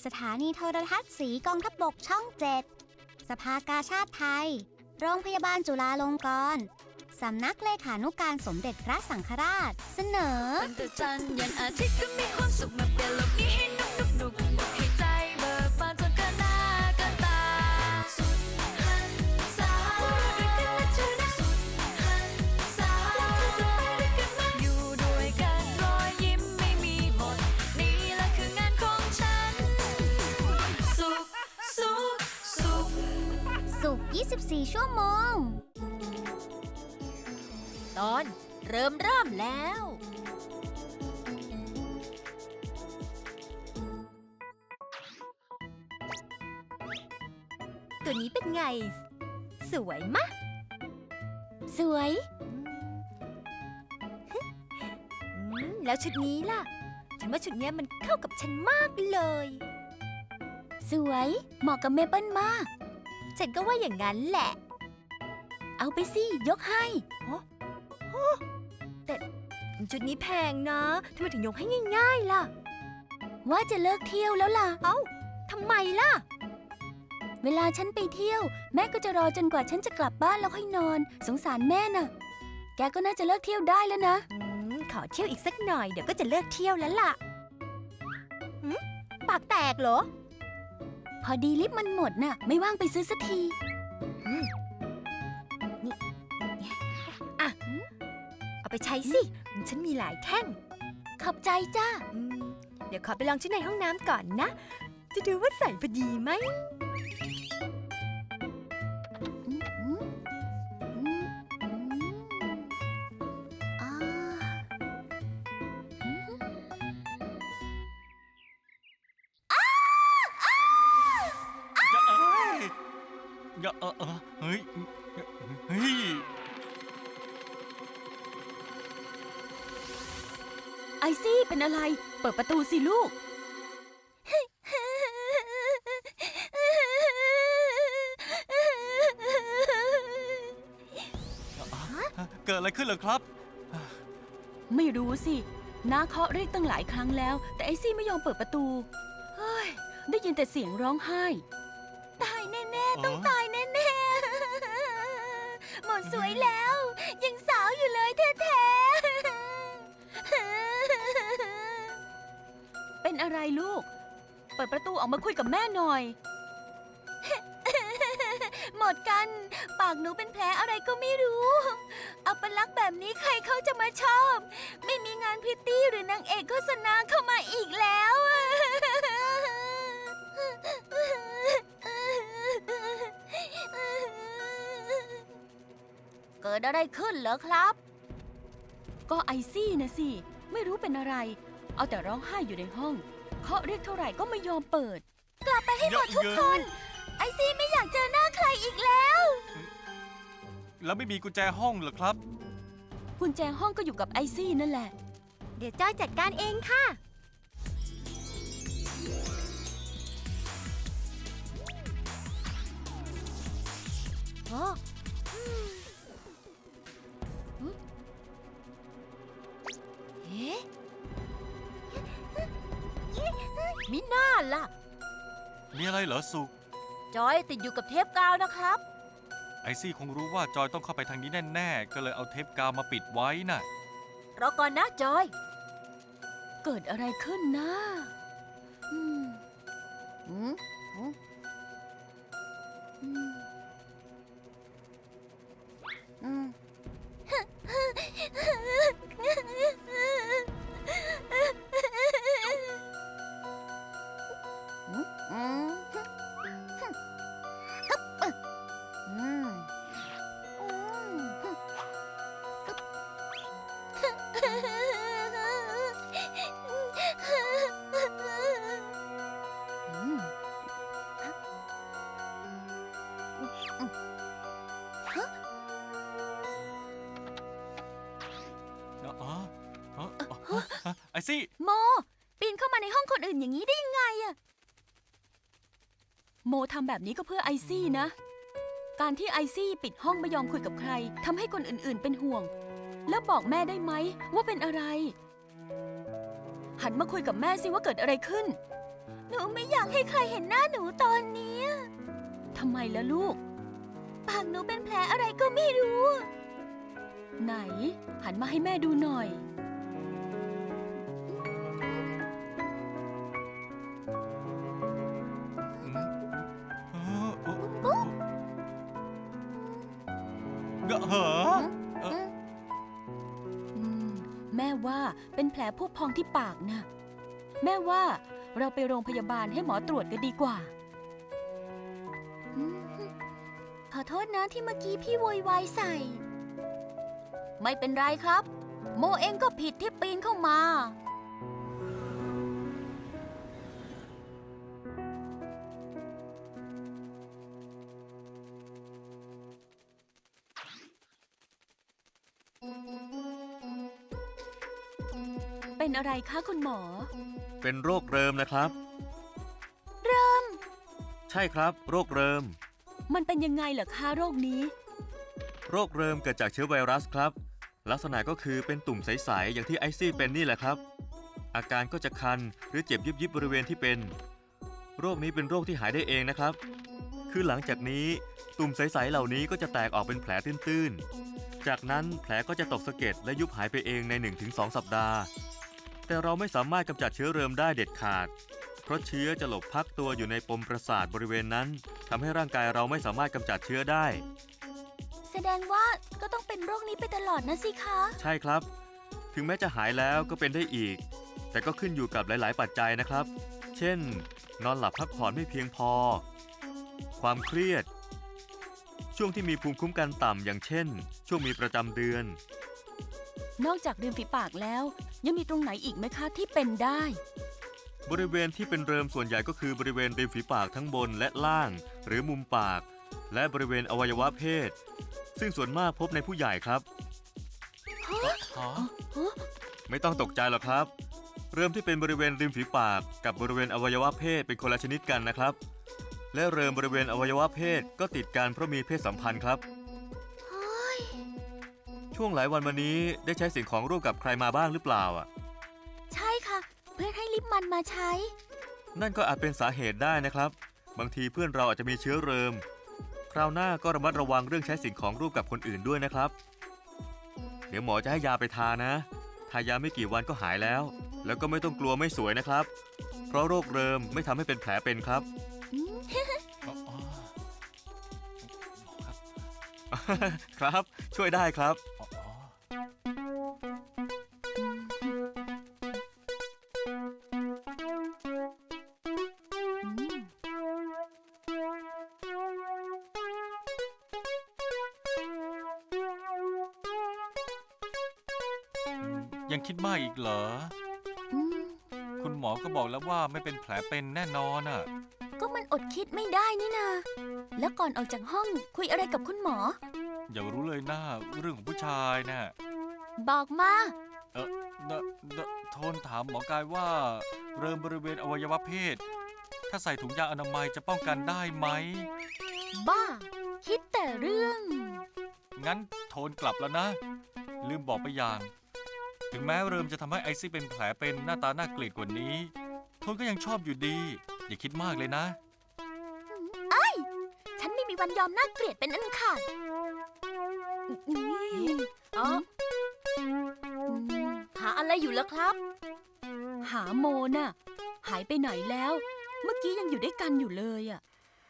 สถานีโทรทัศน์สีกองทัพบกช่อง 7 สภากาชาดไทย โรงพยาบาลจุฬาลงกรณ์สำนักเลขานุการสมเด็จพระสังฆราช เสนอวันแต่จันทร์ยันอาทิตย์ก็มีความสุขมาเปลี่ยนโลกนี้ให้นุกให้ใจเบิกบานจนเกินหน้าเกินตาสุดหันษาด้วยกันและเธอนะสุดหันษาแล้วเธอจะไปด้วยกันไหมอยู่ด้วยกันรอยยิ้มไม่มีหมดนี่แหละคืองานของฉันสุขสุข 24 ชั่วโมงตอนเริ่มแล้ว ตัวนี้เป็นไง สวยมะสวยแล้วชุดนี้ล่ะ ฉันว่าชุดนี้มันเข้ากับฉันมากเลยสวย เหมาะกับเมเปิ้ลมากฉันก็ว่าอย่างนั้นแหละเอาไปสิยกให้แต่ชุดนี้แพงนะทำไมถึงยกให้ง่ายๆล่ะว่าจะเลิกเที่ยวแล้วล่ะเอ้าทำไมล่ะเวลาฉันไปเที่ยว แม่ก็จะรอจนกว่าฉันจะกลับบ้านแล้วค่อยนอน สงสารแม่น่ะ แกก็น่าจะเลิกเที่ยวได้แล้วนะขอเที่ยวอีกสักหน่อยเดี๋ยวก็จะเลิกเที่ยวแล้วล่ะปากแตกเหรอพอดีลิปมันหมดน่ะ ไม่ว่างไปซื้อสักทีเอาไปใช้สิฉันมีหลายแท่งขอบใจจ้าเดี๋ยวขอไปลองชุดในห้องน้ำก่อนนะ จะดูว่าใส่พอดีไหมเฮ้ยไอซี่เป็นอะไร เปิดประตูสิลูกเกิดอะไรขึ้นเหรอครับไม่รู้สิน้าเคาะเรียกตั้งหลายครั้งแล้ว แต่ไอซี่ไม่ยอมเปิดประตู เฮ้ย ได้ยินแต่เสียงร้องไห้ ตายแน่ๆ ต้องตายแน่ๆ หมดสวยแล้ว ยังสาวอยู่เลยแท้ๆ เป็นอะไรลูก เปิดประตูออกมาคุยกับแม่หน่อย หมดกัน ปากหนูเป็นแผลอะไรก็ไม่รู้ อัปลักษณ์แบบนี้ใครเขาจะมาชอบ ไม่มีงานพริตตี้หรือนางเอกโฆษณาเข้ามาอีกแล้ว เกิดอะไรขึ้นเหรอครับ ก็ไอซี่นะสิ ไม่รู้เป็นอะไร เอาแต่ร้องไห้อยู่ในห้อง เคาะเรียกเท่าไหร่ก็ไม่ยอมเปิด กลับไปให้หมดทุกคน ไอซี่ไม่อยากเจอหน้าใครอีกแล้วแล้วไม่มีกุญแจห้องเหรอครับกุญแจห้องก็อยู่กับไอซี่นั่นแหละเดี๋ยวจ้อยจัดการเองค่ะโอ้เอ๊ะมิน่าล่ะมีอะไรเหรอสุกจอยติดอยู่กับเทปกาวนะครับไอซี่คงรู้ว่าจอยต้องเข้าไปทางนี้แน่ๆ ก็เลยเอาเทปกาวมาปิดไว้น่ะรอก่อนนะจอยเกิดอะไรขึ้นนะอืมอืมอืมอืมอืมไอซี่โม ปีนเข้ามาในห้องคนอื่นอย่างนี้ได้ยังไงอะโมทำแบบนี้ก็เพื่อไอซี่นะ การที่ไอซี่ปิดห้องไม่ยอมคุยกับใครทำให้คนอื่นๆเป็นห่วง แล้วบอกแม่ได้ไหมว่าเป็นอะไร หันมาคุยกับแม่สิว่าเกิดอะไรขึ้นหนูไม่อยากให้ใครเห็นหน้าหนูตอนนี้ทำไมล่ะลูก ปากหนูเป็นแผลอะไรก็ไม่รู้ ไหน หันมาให้แม่ดูหน่อยเหรอแม่ว่าเป็นแผลพุพองที่ปากนะแม่ว่าเราไปโรงพยาบาลให้หมอตรวจกันดีกว่าขอโทษนะที่เมื่อกี้พี่โวยวายใส่ ไม่เป็นไรครับ โมเองก็ผิดที่ปีนเข้ามา เป็นอะไรคะคุณหมอเป็นโรคเริมนะครับ ใช่ครับ โรคเริมมันเป็นยังไงเหรอคะโรคนี้โรคเริมเกิดจากเชื้อไวรัสครับ ลักษณะก็คือเป็นตุ่มใสๆอย่างที่ไอซี่เป็นนี่แหละครับ อาการก็จะคันหรือเจ็บยิบๆบริเวณที่เป็น โรคนี้เป็นโรคที่หายได้เองนะครับ คือหลังจากนี้ตุ่มใสๆเหล่านี้ก็จะแตกออกเป็นแผลตื้นๆจากนั้นแผลก็จะตกสะเก็ดและยุบหายไปเองใน 1-2 สัปดาห์ แต่เราไม่สามารถกำจัดเชื้อเริมได้เด็ดขาด เพราะเชื้อจะหลบพักตัวอยู่ในปมประสาทบริเวณนั้นทำให้ร่างกายเราไม่สามารถกำจัดเชื้อได้แสดงว่าก็ต้องเป็นโรคนี้ไปตลอดนะสิคะใช่ครับ ถึงแม้จะหายแล้วก็เป็นได้อีก แต่ก็ขึ้นอยู่กับหลาย ๆ ปัจจัยนะครับ เช่น นอนหลับพักผ่อนไม่เพียงพอ ความเครียด ช่วงที่มีภูมิคุ้มกันต่ำอย่างเช่น ช่วงมีประจำเดือนนอกจากริมฝีปากแล้ว ยังมีตรงไหนอีกไหมคะที่เป็นได้บริเวณที่เป็นเริมส่วนใหญ่ก็คือบริเวณริมฝีปากทั้งบนและล่าง หรือมุมปาก และบริเวณอวัยวะเพศ ซึ่งส่วนมากพบในผู้ใหญ่ครับ ไม่ต้องตกใจหรอกครับ เริ่มที่เป็นบริเวณริมฝีปากกับบริเวณอวัยวะเพศเป็นคนละชนิดกันนะครับ และเริ่มบริเวณอวัยวะเพศก็ติดกันเพราะมีเพศสัมพันธ์ครับ ช่วงหลายวันมานี้ได้ใช้สิ่งของร่วมกับใครมาบ้างหรือเปล่าอ่ะใช่ค่ะ เพื่อนให้ลิปมันมาใช้นั่นก็อาจเป็นสาเหตุได้นะครับ บางทีเพื่อนเราอาจจะมีเชื้อเริม คราวหน้าก็ระมัดระวังเรื่องใช้สิ่งของร่วมกับคนอื่นด้วยนะครับ เดี๋ยวหมอจะให้ยาไปทานะ ทายาไม่กี่วันก็หายแล้ว แล้วก็ไม่ต้องกลัวไม่สวยนะครับ เพราะโรคเริมไม่ทำให้เป็นแผลเป็นครับ ครับ ช่วยได้ครับยังคิดมากอีกเหรอ คุณหมอก็บอกแล้วว่าไม่เป็นแผลเป็นแน่นอนอ่ะก็มันอดคิดไม่ได้นี่นา แล้วก่อนออกจากห้องคุยอะไรกับคุณหมออย่ารู้เลยนะเรื่องของผู้ชายน่ะบอกมาโทนถามหมอกายว่า เริ่มบริเวณอวัยวะเพศ ถ้าใส่ถุงยางอนามัยจะป้องกันได้ไหมบ้า คิดแต่เรื่องงั้นโทนกลับแล้วนะ ลืมบอกไปอย่าง ถึงแม้เริ่มจะทำให้ไอซี่เป็นแผลเป็นหน้าตาน่าเกลียดกว่านี้ โทนก็ยังชอบอยู่ดี อย่าคิดมากเลยนะฉันไม่มีวันยอมน่าเกลียดเป็นอันขาดอ๋อ หาอะไรอยู่แล้วครับหาโมน่ะ หายไปไหนแล้ว เมื่อกี้ยังอยู่ด้วยกันอยู่เลยอ่ะ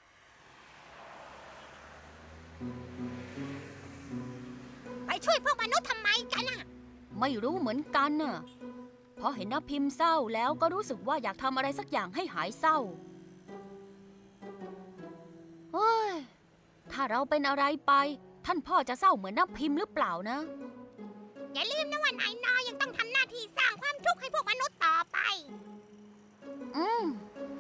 ไปช่วยพวกมนุษย์ทำไมกันอะไม่รู้เหมือนกันน่ะพอเห็นน้าพิมพ์เศร้าแล้วก็รู้สึกว่าอยากทำอะไรสักอย่างให้หายเศร้า เฮ้ย ถ้าเราเป็นอะไรไป ท่านพ่อจะเศร้าเหมือนน้าพิมพ์หรือเปล่านะอย่าลืมนะว่านายนอยังต้องทำหน้าที่สร้างความทุกข์ให้พวกมนุษย์ต่อไปอืม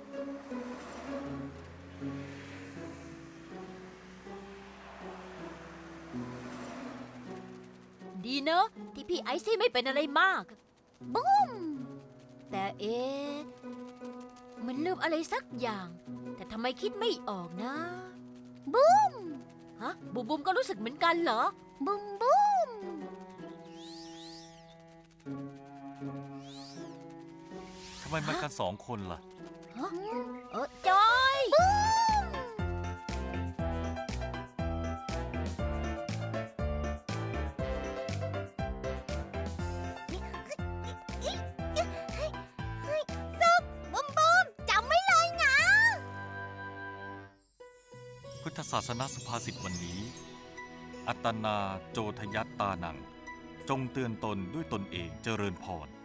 ดีเนอะที่พี่ไอซี่ไม่เป็นอะไรมากบุ้มแต่มันลืมอะไรสักอย่าง แต่ทำไมคิดไม่ออกนะบุ้มฮะบุมบุมก็รู้สึกเหมือนกันเหรอบุ้มบุ้มทำไมมากัน2 คนล่ะฮจอยบุ้มบุ้มจำไว้เลยนะพุทธศาสนสุภาษิตวันนี้ อัตนาโจทยัตตานัง จงเตือนตนด้วยตนเองเจริญพร